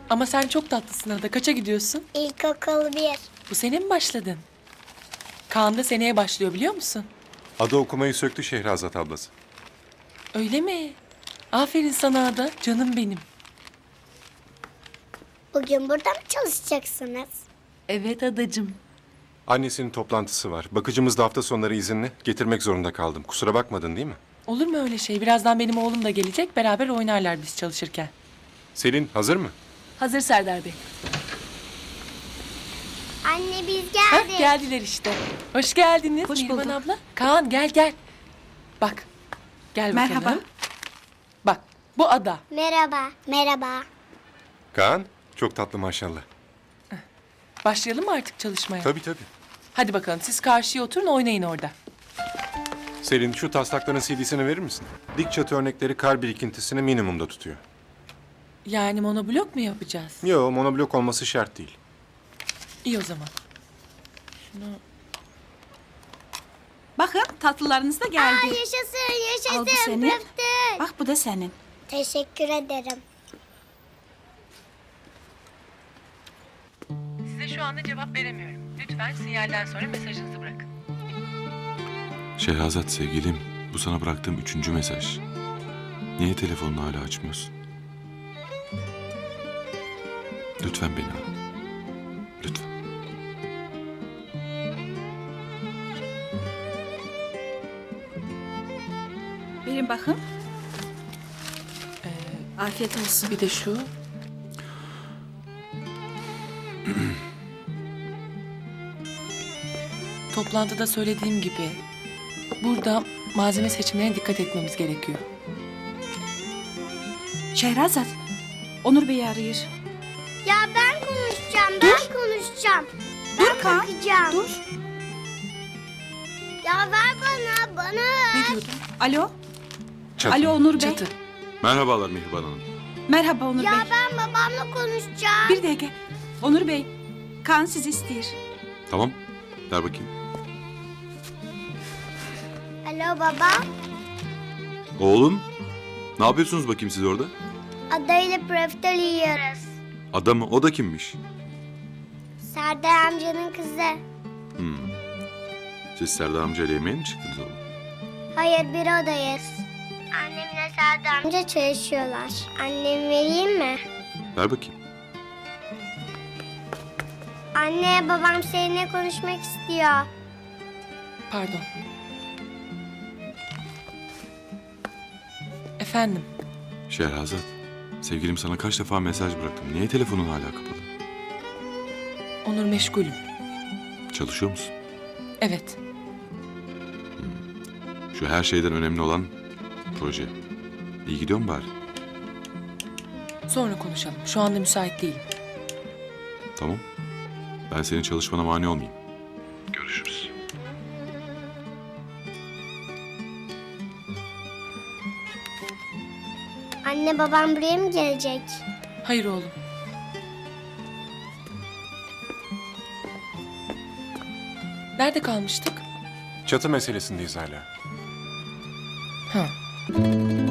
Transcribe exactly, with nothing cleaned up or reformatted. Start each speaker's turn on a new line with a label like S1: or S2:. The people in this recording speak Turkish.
S1: Ama sen çok tatlısın Ada. Kaça gidiyorsun?
S2: İlkokul bir.
S1: Bu sene mi başladın? Kaan da seneye başlıyor biliyor musun?
S3: Ada okumayı söktü Şehrazat ablası.
S1: Öyle mi? Aferin sana Ada. Canım benim.
S2: Bugün burada mı çalışacaksınız?
S1: Evet adacığım.
S3: Annesinin toplantısı var. Bakıcımız da hafta sonları izinli. Getirmek zorunda kaldım. Kusura bakmadın değil mi?
S1: Olur mu öyle şey? Birazdan benim oğlum da gelecek. Beraber oynarlar biz çalışırken.
S3: Selin hazır mı?
S1: Hazır Serdar Bey.
S2: Anne biz
S1: Hah,
S2: geldik.
S1: geldiler işte. Hoş geldiniz.
S4: Hoş
S1: Neriman
S4: bulduk.
S1: abla. Kaan gel gel. Bak. Gel bakalım.
S4: Merhaba.
S1: Bak bu Ada.
S2: Merhaba. Merhaba.
S3: Kaan, çok tatlı maşallah.
S1: Başlayalım mı artık çalışmaya?
S3: Tabii tabii.
S1: Hadi bakalım siz karşıya oturun oynayın orada.
S3: Selin şu taslakların C D'sini verir misin? Dik çatı örnekleri kar birikintisini minimumda tutuyor.
S1: Yani monoblok mu yapacağız?
S3: Yo, monoblok olması şart değil.
S1: İyi o zaman. Şunu...
S4: Bakın tatlılarınız da
S2: Aa,
S4: geldi.
S2: yaşasın yaşasın.
S4: Al bu senin.
S2: Pıftık.
S4: Bak bu da senin.
S2: Teşekkür ederim.
S1: Size şu anda cevap veremiyorum. Lütfen sinyalden sonra mesajınızı bırakın.
S5: Şehrazat sevgilim, bu sana bıraktığım üçüncü mesaj. Niye telefonunu hala açmıyorsun? Lütfen beni ara. Lütfen.
S4: Verin bakın. Afiyet olsun.
S1: Bir de şu. Toplantıda söylediğim gibi burada malzeme seçimlerine dikkat etmemiz gerekiyor.
S4: Şehrazat, Onur Bey'i arıyor.
S2: Ya ben konuşacağım. Ben konuşacağım. Ben
S4: Dur Kaan,
S2: bakacağım.
S4: dur.
S2: Ya ver bana. Bana ver.
S1: Ne diyordun?
S4: Alo,
S3: Çatı.
S4: alo Onur Bey.
S1: Çatı.
S5: Merhabalar Mihriban Hanım.
S4: Merhaba Onur
S2: Ya
S4: Bey.
S2: ben babamla konuşacağım.
S4: Bir dakika. Onur Bey, Kaan sizi istiyor.
S5: Tamam, ver bakayım.
S2: Alo baba.
S5: Oğlum, ne yapıyorsunuz bakayım siz orada?
S2: Adayla profiterol yiyoruz.
S5: Adamı, o da kimmiş?
S2: Serdar amcanın kızı.
S5: Hmm. Siz Serdar amcayla yemeğe mi çıktınız oğlum?
S2: Hayır bir odayız. Annemle Serdar amca çalışıyorlar. Annem vereyim mi?
S5: Ver bakayım.
S2: Anne babam seninle konuşmak istiyor.
S1: Pardon. Efendim.
S5: Şehrazat, sevgilim sana kaç defa mesaj bıraktım. Niye telefonun hala kapalı?
S1: Onur meşgulüm.
S5: Çalışıyor musun?
S1: Evet.
S5: Şu her şeyden önemli olan proje. İyi gidiyor mu bari?
S1: Sonra konuşalım. Şu anda müsait değilim.
S5: Tamam. Ben senin çalışmana mani olmayayım. Görüşürüz.
S2: Anne babam buraya mı gelecek?
S1: Hayır oğlum. Nerede kalmıştık?
S3: Çatı meselesindeyiz hala.
S1: Ha.